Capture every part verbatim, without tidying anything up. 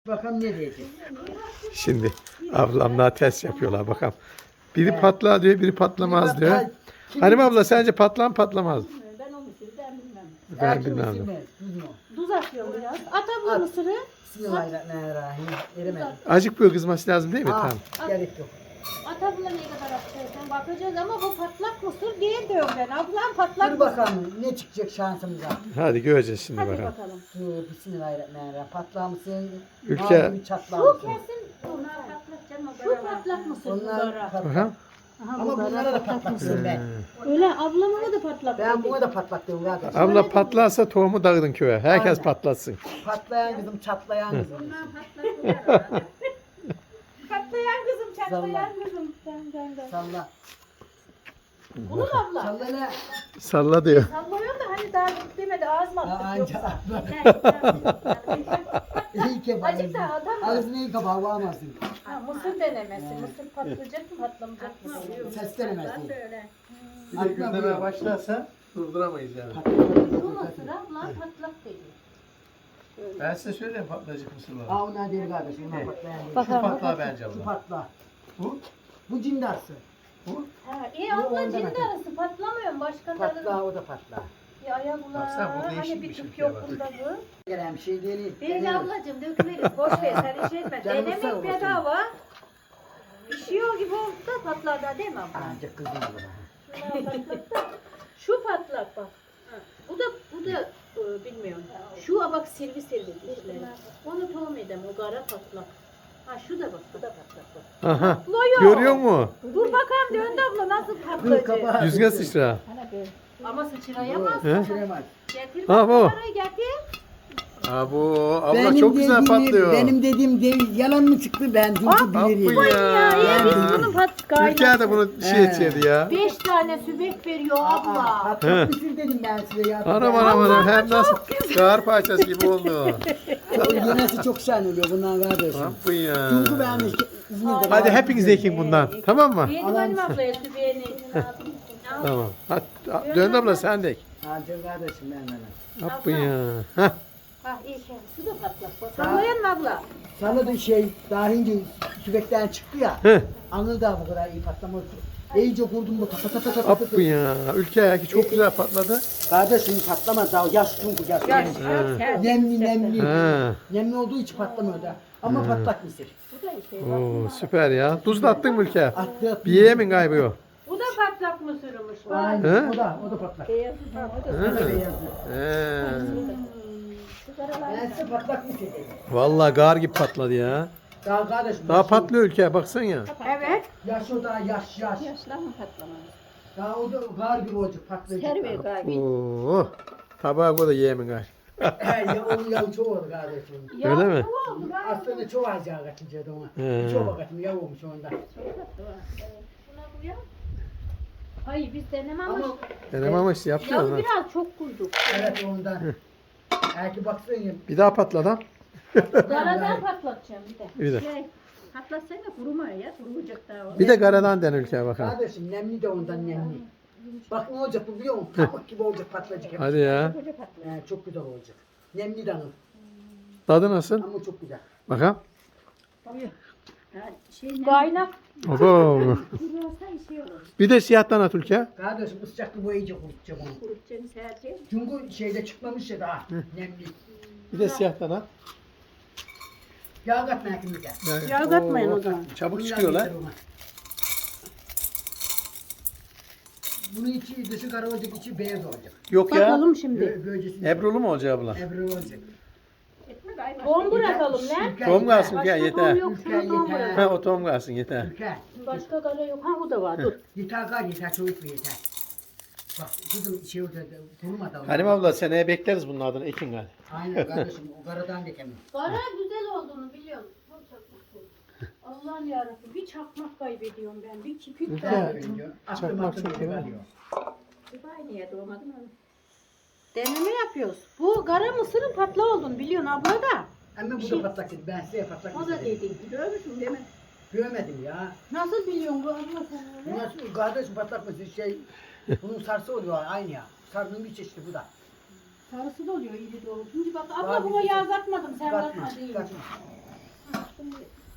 Bakalım ne diyecek. Şimdi ablamla test yapıyorlar bakalım. Biri patlar diyor, biri patlamaz diyor. Halim abla sence patlar mı patlamaz mı? Ben o mısırı ben bilmem. Ben bilmem. Tuz atıyorum biraz. At abla mısırı. Bismillahirrahmanirrahim. Eremedim. Acık böyle kızması lazım değil mi? Ha, Tamam. gerek yok. At abla ne kadar atacaksan bakacağız ama bu patlak mısır değil diyorum ben. Ablam patlak Dur mısır. bakalım ne çıkacak şansımıza. Hadi göreceğiz şimdi Hadi bakalım. bakalım. Dur bismillahirrahmanirrahim. Patlar mısın? Ülke- Mavi çatlar Şu mısın? kesin şu patlak mısır Onlar bunlara. patlak. Bakalım. Aha, Ama bu bunlara gara da patlaksın ben. Öyle ablama da patlak. Ben dedi. buna da patlak diyorum kardeş. Abla patlarsa tohumu dağıdın köye. Herkes Aynen. patlatsın. Patlayan kızım, çatlayan kızım. Patlayan kızım, çatlayan Salla. kızım. Ben, ben, ben. Salla. Bunu mu abla? Salla ne? Salla diyor. Sallıyorum da hani daha demedi ağzıma Aa, attık Anca yoksa. atla. İyi ki Azıcık daha adam mı? Ağzını iyi kapağı bağlamazsın. Ha, mısır denemesi. Mısır patlayacak mı patlamayacak mı? Ses denemesi. Bir de gündeme başlarsa durduramayız yani. Bu mısır ablam patlak dedi. Ben size söyleyeyim patlayacak mısırlar. Aa onlar değil kardeşim. Onlar patlayan değil. Bak- Şu patlar bence Şu abla. patla. Bu? Bu cindarsı. Bu? Ha, iyi Bu abla ondan cindi atıyor. arası patlamıyor mu? Başka Patla tadı o da patla. bir ayaklar. Baksana, bu değişik Hani bir bir şey tüp ya yok bak. bunda bu. Gelen bir şey değil. Değil ablacığım döküleriz. Boş ver sen iş etme. Canımız sağ Denemek olsun. bedava. Pişiyor gibi oldu da patlar da değil mi abla? Ancak kızım olur. Şunlar patlak da. Şu patlak bak. Ha, Bu da bu da e, bilmiyorum. Şu bak sirvi sirvi dişleri. Onu tohum edem o gara patlak. Ha şu da bak bu da patlak bak. Aha. Patlıyor. Görüyor musun? Dur bakalım döndü abla nasıl Dur patlayacak. kapağı. Yüzüne sıçra. Ama sıçrayamaz. He? Sıçramaz. Getir Ha, bu. bak getir. Abo abla çok güzel patlıyor. Benim dediğim değil, yalan mı çıktı ben çünkü Aferin bilirim. ya. Ya ya biz bunu pat Türkiye de bunu şey He. içerdi ya. Beş tane sübek veriyor Aa, abla. patlat bitir dedim ben size ya. Anam anam anam hem nasıl kar parçası gibi oldu. Yemesi çok şahane oluyor bundan kardeşim. Yapın ya. Çünkü ben de İzmir'de Hadi var. hepiniz ekin bundan. Tamam mı? Benim annem ablaya sübeğini. Tamam. Hadi dön abla sen de ek. Hadi kardeşim ben bana. Yapın ya. Hah. Ha iyi şey. Su da patlak. Sallayan mı abla? Sana da şey daha önce sürekten çıktı ya. Heh. Anıl da bu kadar iyi patlamadı. İyice kurdum bu ta ta ta ta ta ta. Yapın ya. Ülke ayaki çok güzel patladı. Kardeşim patlamadı daha yaş çünkü yaş. Yaş, Yani. yaş. Nemli nemli. Ha. Nemli olduğu için patlamıyor da. Ama patlak mısır. Bu da iyi. Oo süper ya. Tuz da attın mı ülke? Attı attı. Bir yemin kaybı yok. Bu da patlak mısırmış. Aynen He? o da o da patlak. Beyazı da o da. O da beyazlı. He. Şu karalar. Ben size patlak mısır dedim. Vallahi gar gibi patladı ya. Daha kardeşim. Daha yaş- patlıyor ülke baksana ya. Evet. Yaş o daha yaş yaş. Yaşlar mı patlamadı? Daha o da gar gibi olacak patlayacak. Terbiye galiba. Oo. Tabağa koy da yemin gay. He ya onun yağı çok oldu kardeşim. Öyle mi? Aslında çok az yağ kaçınca ona. He. Çok bakatım yağı olmuş onda. Şuna bu ya. Hayır biz denememiş. Ama Denem ama işte yaptın Ya ha. biraz çok koyduk. evet ondan. Belki baksana ya. Bir daha patladı ha. Karadan patlatacağım bir de. Bir de. Şey, patlatsana kuruma ya. Kuruyacak daha o. Bir de karadan den ülkeye bakalım. Kardeşim nemli de ondan nemli. Bak ne olacak bu biliyor musun? Pamuk gibi olacak patlayacak. Hadi ya. Koca patlak. He, çok güzel olacak. Nemli de anıl. Tadı nasıl? Ama çok güzel. Bakalım. Ha, şey, Kaynak. Oho. Kuruyorsa şey olur. Bir de siyahtan at ülke. Kardeşim ısıcaklı bu iyice kurutacak onu. Kurutacağını sereceğim. Çünkü şeyde çıkmamış ya daha nemli. Bir de siyahtan at. Yağ katma yakınlıca. Yağ katmayın o zaman. Çabuk çıkıyorlar. Bunun içi dışı kara olacak, içi beyaz olacak. Yok ya. Bakalım şimdi. Gö Gölgesini. Ebrulu mu olacak abla? Ebru olacak. Tohum bırakalım lan. Ülke Tohum yeter. kalsın ya Başka yeter. tohum yok. Ülke Şuna tohum yeter. bırak. Ha o tohum kalsın yeter. Ülke. Başka kara yok. Ha bu da var. Dur. Yeter kar yeter, çocuk mu yeter. Bak kızım şey olacak, kuruma da. Halim abla seneye bekleriz bunun adını ekin gal. Aynen kardeşim, o karadan dikemem. Kara güzel olduğunu biliyorum. Çok çakmak. Allah'ım yarabbim. Bir çakmak kaybediyorum ben. Bir kipik Ülke. kaybediyorum. Aklım Çakmak aklım çok geri iyi. kalıyor. Dubai niye doğmadın onu? Deneme yapıyoruz. Bu kara mısırın patla olduğunu biliyorsun abla da. Ama bu da patlak dedi, ben size patlak O da dedim. dedi. Görmüşsün değil mi? Görmedim ya. Nasıl biliyorsun bu abla sen Bu öyle? nasıl kardeşim patlak mı şey, bunun sarısı oluyor aynı ya. Sarının bir çeşidi bu da. Sarısı da oluyor iri doğru. Şimdi bak Daha abla buna bir- yağ katmadım sen Katma, katma deyince. katma.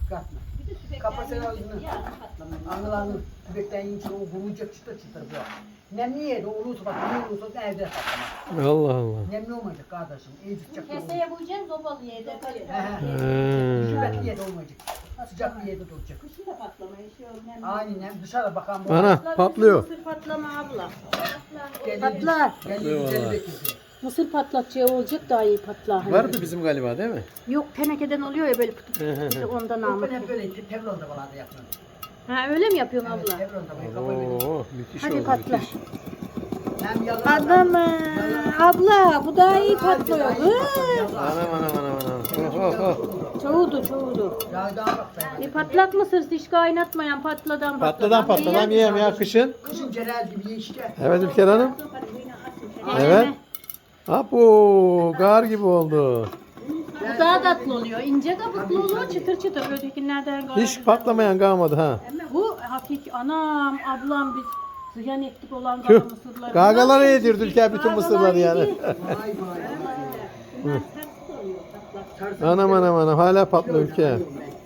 Katma. Bir de sübekten Kapasın yiyince ağzını. yarın patlamayı. Anılarını tübekten yiyince o vurulacak çıtır çıtır bu. Nemli yedi olursa bak ne olursa evde saklama. Allah Allah. Nemli olmayacak kardeşim. İyi tutacak. Keseye koyacaksın zobalı yerde He kalıyor. he. He. Rütubetli yerde olmayacak. Sıcak bir yerde duracak. Kışın da patlamaya şey olmuyor. Aynen nem dışarı bakan bu. Ana patlıyor. Mısır patlama abla. Kendi- Patlar. kendi Eyvallah. güzel bekliyor. Mısır patlatacağı olacak daha iyi patlar. Hani. Vardı bizim galiba değil mi? Yok tenekeden oluyor ya böyle pıtı Hı hı pıtı hı. ondan Ben almak. hep böyle teflonda falan da yapıyorum. Ha öyle mi yapıyorsun Evet, abla? teflonda böyle kafa veriyorum. Oo, müthiş Hadi oldu patla. müthiş. Hem yalan. Adam abla bu daha iyi patlıyor. Daha iyi patlıyor. Anam anam anam anam. Oh, oh, oh. Çoğudu çoğudu. Ya daha bak ben. E patlak mısır hiç kaynatmayan patladan Patladan patladan yiyem ya kışın. Kışın cerel gibi ye işte. Evet Ülker Hanım. Evet. Apo gar gibi oldu. Bu daha tatlı oluyor. İnce kabuklu oluyor çıtır çıtır. Ötekilerden gayet Hiç patlamayan kalmadı ha. Bu hakiki anam ablam biz ziyan ettik olan Tüh. kara mısırları. Gagalara yedirdi Ülker bütün Gagalar mısırları yani. Vay yedi. vay vay. Bunlar ters oluyor patlak. Anam anam anam hala patlıyor Ülker.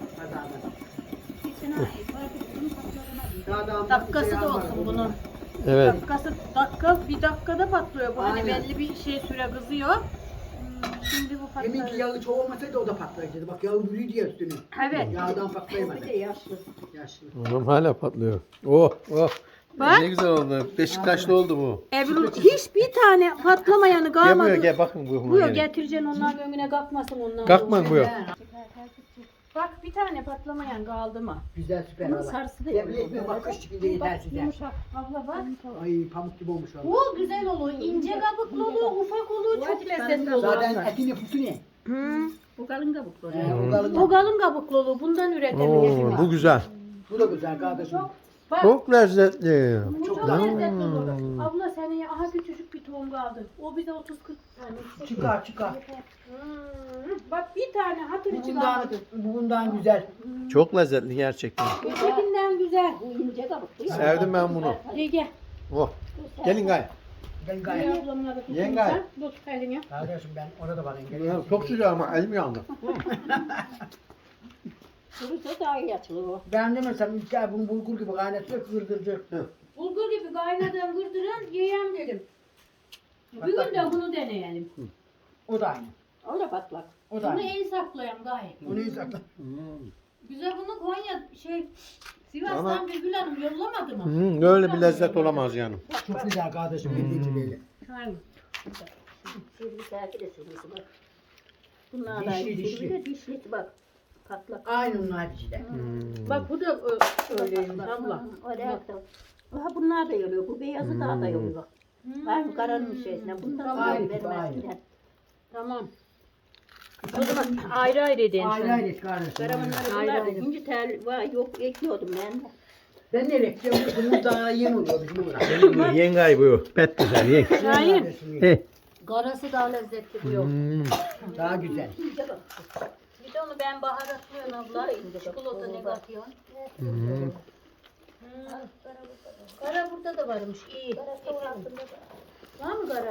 Dakikası da olsun bunun. Evet. Dakikası dakika bir dakikada patlıyor bu. Hani Aynen. belli bir şey süre kızıyor. Hmm, Şimdi bu Deminki patlıyor. yağı çok olmasaydı o da patlayacaktı. Bak yağı yürüydü ya üstüne. Evet. Yağdan patlayamadı. yaşlı. Yaşlı. Anam hala patlıyor. Oh oh. Bak. Ne güzel oldu. Beşiktaşlı oldu bu. Ebru hiçbir tane patlamayanı Gel kalmadı. buraya gel bakın bu. Buyur getireceksin onların önüne kalkmasın onlar. Kalkma buyur. Bak bir tane patlamayan kaldı mı? Güzel süper Bunun valla. sarısı da Yemin yok. etmiyorum bak kış çıkınca yeter size. Yumuşak. Abla bak. Ay pamuk gibi olmuş valla. Bu güzel olur. İnce kabuklu olur, ufak olur, çok lezzetli olur. Zaten etin yapısı ne? Hı. Bu kalın kabuklu. Ee, o kalın. O kalın kabuklu olur. Bundan üretebiliriz. Oo, bu güzel. Bu da güzel kardeşim. Bak. Çok lezzetli. Bu çok, Çok lezzetli olur. Abla senin aha küçücük bir tohum kaldı. O bize otuz kırk tane. Çıkar çıkar. Hmm. Bak bir tane hatır Bu içi bundan, kalmadı. bu bundan güzel. Çok lezzetli gerçekten. Ötekinden güzel. Bu ince kabuklu. ya. Sevdim ben bunu. Gel gel. Oh. Gelin gay. Ben Gel gayet. ablamla da tutayım Yengay. sen. Dur elini. Kardeşim ben orada bakayım. Gel. Çok sıcak ama elim yandı. Kuruysa daha iyi açılır o. Ben demesem İlker bunu bulgur gibi kaynatıyor kırdıracak. Bulgur gibi kaynadan gırdıran yiyem dedim. Bir gün de bunu deneyelim. O da aynı. O da patlak. O da Bunu aynı. el saklayan gayet. Onu iyi sakla. Güzel bunu Konya şey Sivas'tan Ama- Birgül Hanım yollamadı mı? Hmm, öyle bir lezzet olamaz yani. Çok güzel kardeşim. Hmm. Böyle. Aynen. Sivri sergi de sivrisi bak. Bunlar da Dişli, dişli dişli. dişli. de dişli bak. Patlak. Aynı onun hepsi de. Hmm. Bak bu da ö- öyleymiş abla. O da ayakta. Aha bunlar da yoruyor. Bu beyazı daha da yoruyor bak. Aynı karanın şeysine. Bundan Aynı daha gibi, benim aynı. eskiden. Tamam. O zaman ayrı ayrı edin Ayrı ayrı et kardeşim. Karamanları Ayrı bunlar da ayrı. ince tel var. Yok ekliyordum ben de. Ben nereye gideceğim? Bunun daha yeni oluyor bizim burada. Yengay bu. Pet güzel yeng. Hayır. He. Garası daha lezzetli bu yok. Hmm. Daha güzel. İnce bak. Bir de onu ben baharatlıyorum abla. Çikolata ne katıyorsun? Hmm. Hmm. Kara burada da varmış. İyi. Var mı kara?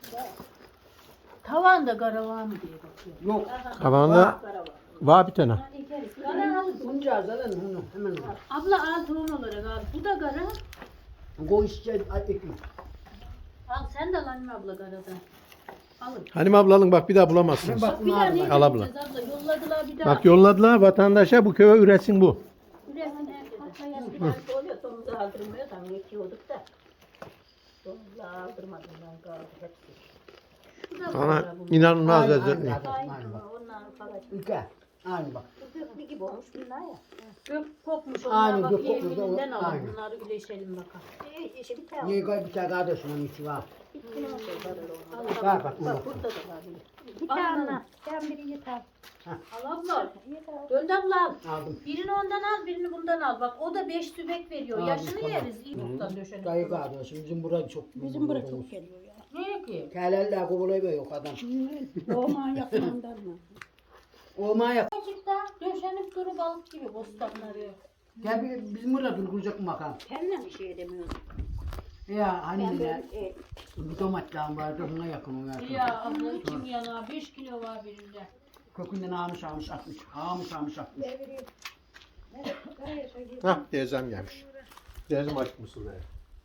Tavanda kara var mı diye bakıyorum. Yok. Tavanda var bir tane. Kara al. Bunca azalan onu hemen al. Abla al tohum olarak al. Bu da kara. Koy işte ekmek. Al sen de al anne abla karadan. Alın. Halim abla alın bak bir daha bulamazsınız. Bak Bak bir bunlar daha var. ne Al abla. yapacağız abla? Yolladılar bir daha. Bak yolladılar vatandaşa bu köye üretsin bu. Üretin herkese. Eskiden oluyor. Domuzu aldırmıyor. Tam geçiyorduk da. Domuzu aldırmadım ben kaldı hepsi. Şu da Ana kara bu. inanılmaz Aynı, lezzetli. aynı. Aynı bak. Onlar falan. Ülke. Aynı bak. Bu köklü gibi olmuş bunlar ya. Gök kokmuş Aynen, onlar bak gök kokmuş da o- yeğeninden alın. aynen. Bunları güleşelim bakalım. Ee, işi bir tane. Niye koy bir tane kardeşim onun içi var. Bitti o şey var öyle olmadı. Bak bak Bak bak. burada da var bir. Bir Al, tane. al. Sen biri yeter. Al abla. Yeter. Döndü abla al. Aldım. Birini ondan al, birini bundan al. Bak o da beş sübek veriyor. Aldım, Yaşını tamam. yeriz. İyi boktan döşenip. Dayı kardeşim bizim burada çok. Bizim buraya çok geliyor ya. Ne ki? Keleller kovalayı yok adam. Doğman yakınından mı? Olmaya yap. Gerçekten döşenip duru balık gibi bostanları. Gel bir, bizim burada durulacak mı bakalım. Kendine bir şey demiyorum. Ya hani Ben ne? böyle e, Bir domatlar vardı ona yakın o yakın. Ya abla içim yana beş kilo var birinde. Kökünden almış almış atmış. Almış almış atmış. Hah teyzem gelmiş. Teyzem aç mısır be.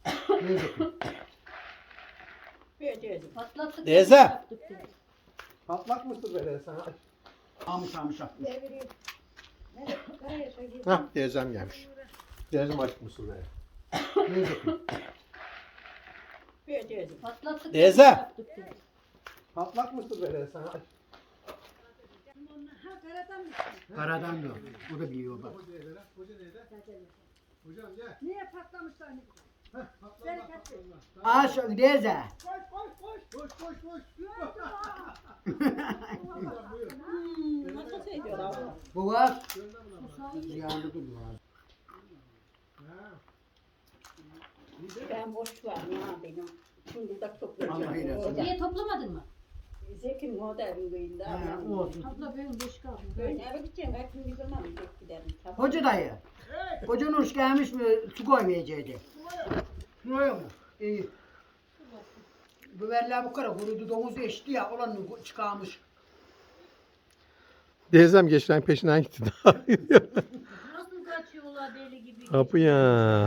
Vereceğim. Patlattık. Teyze. Yaptık dedi. Patlak mısır be sana aç. Almış almış atmış. Hah teyzem gelmiş. Teyzem aç mısır be. Vereceğim. Patlattık. Teyze. Yaptık dedi. Patlak mısır be sana aç. Karadan diyor. O da biliyor bak. Hocam gel. Niye patlamışlar? Aş teyze. Koş koş koş. Nasıl söylüyor abla? Bu var. Ziyanlı duruyor. Ben boş var ya benim. Şimdi de Allah toplayacağım. eylesin. Orada. Niye toplamadın mı? Zekim o da evindeyim daha. Ha, olsun. Abla benim boş kaldı. Böyle eve gideceğim. Kaç gün bir zaman gidip giderim. Tabii. Hoca dayı. Hoca Nuruş gelmiş mi su koymayacaktı. Suya mı? İyi. Bu verler bu kadar kurudu domuzu eşti ya olanı çıkarmış. Teyzem geçen peşinden gitti. Nasıl kaçıyorlar deli gibi? Kapı ya.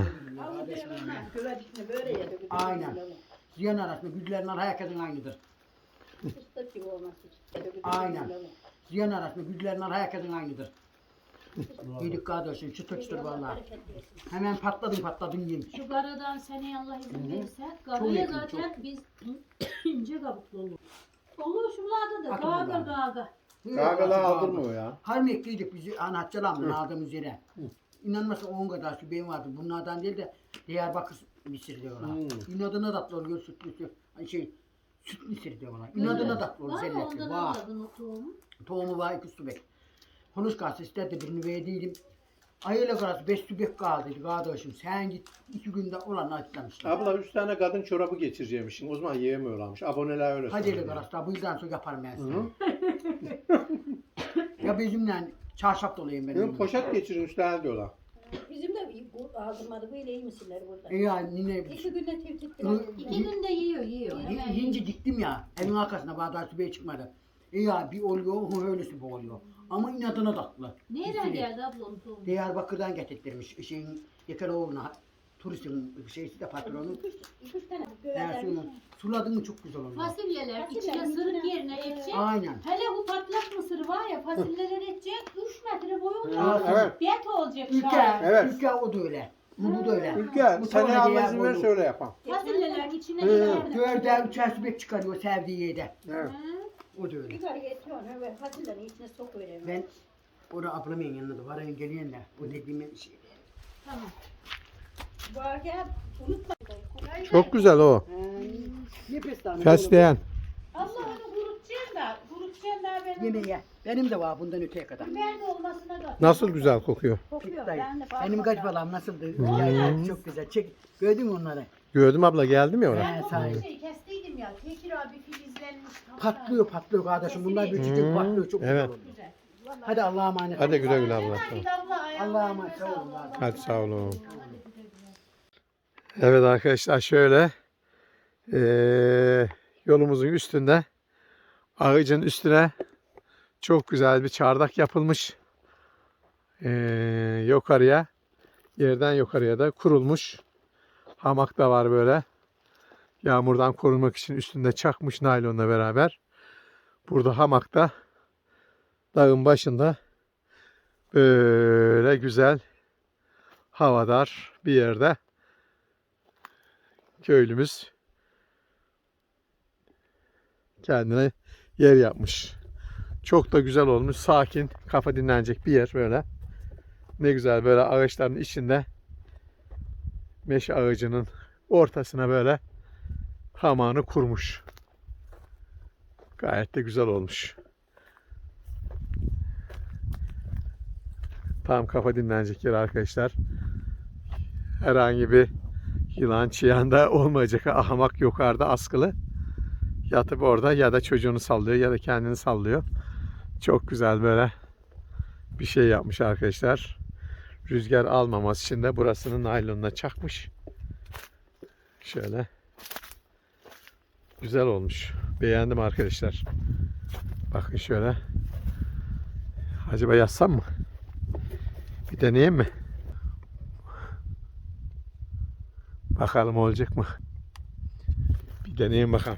Güvecikle böyle yedi. Aynen. Ziyan arasında güdülerin arası herkesin aynıdır. Fıstık gibi olması için. Aynen. Ziyan arasında güdülerin arası herkesin aynıdır. Yedik kardeşim çıtır çıtır valla. Hemen patladım patladım yiyeyim. Şu garadan seneye Allah izin verirse, Çok garaya yakın, zaten biz ince kabuklu olur. Olur şuralarda da Akın gaga buradan. gaga. Kahveler aldırmıyor ya. Harmekliydik bizi anahtarlarla aldığımız yere. İnanmazsa on kadar şu benim vardı. Bunlardan değil de Diyarbakır misir diyorlar. Hmm. İnadına tatlı oluyor sütlüsü. Şey süt misir diyorlar. İnadına tatlı oluyor. Var mı Zelletli. ondan Var. almadın o tohumu? Tohumu var iki sübek. Konuş kalsı istedi birini verdiydim. Ayıyla karası beş sübek kaldıydı kardeşim. Sen git iki günde olan açlamışlar. Abla üç tane kadın çorabı geçireceğimişsin. O zaman yiyemiyorlarmış. Aboneler öyle Hadi söylüyor. öyle karası bu yüzden sonra yaparım ben Hı. sana. Ya bizimle çarşaf dolayım ben. Benim poşet geçirin üç tane diyorlar. Bizim de bu aldırmadı. Böyle iyi misinler burada? E ya nine İki günde tevkitler. Hı. İki günde yiyor yiyor. Hemen yiyince diktim ya. Evin arkasına bardağı sübeye çıkmadı. E ya bir oluyor, öyle sübe oluyor. Ama inadına tatlı. Nereden Üstelik geldi abla onun tohumu? Diyarbakır'dan getirttirmiş. Şeyin Yekeroğlu'na turistin şeysi de patronu. İki üç tane Dersi göğerler. suladın mı çok güzel oluyor. Fasulyeler Fasulye içine içine- sırık yerine ekecek. Aynen. Hele bu patlak mısır var ya fasulyeler ekecek üç metre boyu oluyor. Hı, evet. Bet olacak Ülke, şahane. Evet. ülke o da öyle. Bu da öyle. Ülke Bu seneye sonra Allah diğer izin verirse boyu. öyle yapalım. Fasulyelerin içine Hı. yerler. Göğerde üçer sübek çıkarıyor sevdiği yerde. Evet. O da öyle. Yukarı getiriyorsun ve fasulyenin içine sokuyorum. Ben orada ablamın yanında da var. Geliyorlar. O dediğim şey. Tamam. Var gel. Unutma. Çok güzel o. Nefes Fesleğen. Allah onu kurutacaksın da, kurutacaksın da benim. Yemeğe. Benim de var bundan öteye kadar. Biber de olmasına da. Nasıl güzel kokuyor. Kokuyor. Dayı, Ben de benim kaç balam nasıldı? Yani çok güzel. Çek. Gördün mü onları? Gördüm abla geldim ya oraya. Ben sahi. o şey kestiydim ya. Tekir abi filizlenmiş. Patlıyor patlıyor kardeşim. Bunlar küçücük Hmm, patlıyor. Çok evet. güzel oluyor. Güzel. Hadi Allah'a emanet. Hadi güle güle abla. Hadi abla ayağına Allah'a emanet. Sağ olun. Hadi sağ olun. Evet arkadaşlar şöyle eee, yolumuzun üstünde ağacın üstüne çok güzel bir çardak yapılmış. Eee, yukarıya yerden yukarıya da kurulmuş. Hamak da var böyle. Yağmurdan korunmak için üstünde çakmış naylonla beraber. Burada hamakta dağın başında böyle güzel havadar bir yerde köylümüz kendine yer yapmış. Çok da güzel olmuş. Sakin, kafa dinlenecek bir yer böyle. Ne güzel böyle ağaçların içinde meşe ağacının ortasına böyle hamağını kurmuş. Gayet de güzel olmuş. Tam kafa dinlenecek yer arkadaşlar. Herhangi bir yılan çıyan da olmayacak. Hamak yukarıda askılı. Yatıp orada ya da çocuğunu sallıyor ya da kendini sallıyor. Çok güzel böyle bir şey yapmış arkadaşlar. Rüzgar almaması için de burasını naylonla çakmış. Şöyle. Güzel olmuş. Beğendim arkadaşlar. Bakın şöyle. Acaba yazsam mı? Bir deneyeyim mi? Bakalım olacak mı? Bir deneyeyim bakalım.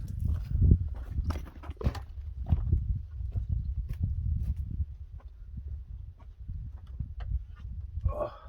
Oh.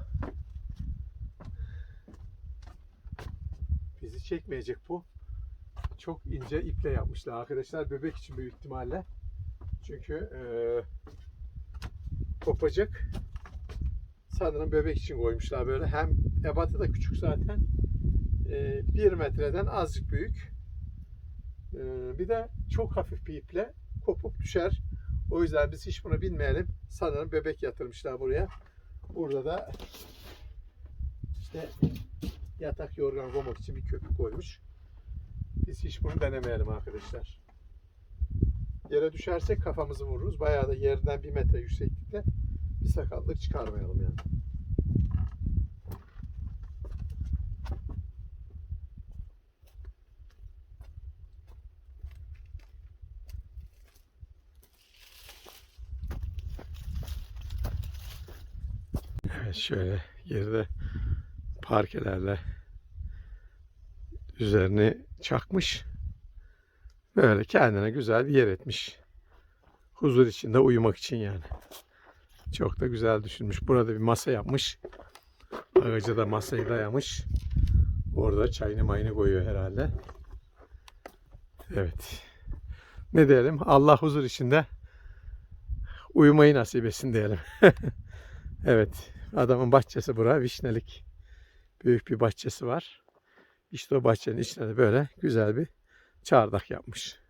Bizi çekmeyecek bu. Çok ince iple yapmışlar arkadaşlar. Bebek için büyük ihtimalle. Çünkü eee kopacak. Sanırım bebek için koymuşlar böyle. Hem ebatı da küçük zaten. Ee, bir metreden azıcık büyük. Ee, bir de çok hafif bir iple kopup düşer. O yüzden biz hiç bunu bilmeyelim. Sanırım bebek yatırmışlar buraya. Burada da işte yatak yorgan koymak için bir köpük koymuş. Biz hiç bunu denemeyelim arkadaşlar. Yere düşersek kafamızı vururuz. Bayağı da yerden bir metre yükseklikte bir sakatlık çıkarmayalım yani. Evet, şöyle geride parkelerle üzerini çakmış. Böyle kendine güzel bir yer etmiş. Huzur içinde uyumak için yani. Çok da güzel düşünmüş. Burada bir masa yapmış. Ağaca da masayı dayamış. Orada çayını mayını koyuyor herhalde. Evet. Ne diyelim? Allah huzur içinde uyumayı nasip etsin diyelim. Evet. Adamın bahçesi bura. Vişnelik. Büyük bir bahçesi var. İşte o bahçenin içine de böyle güzel bir çardak yapmış.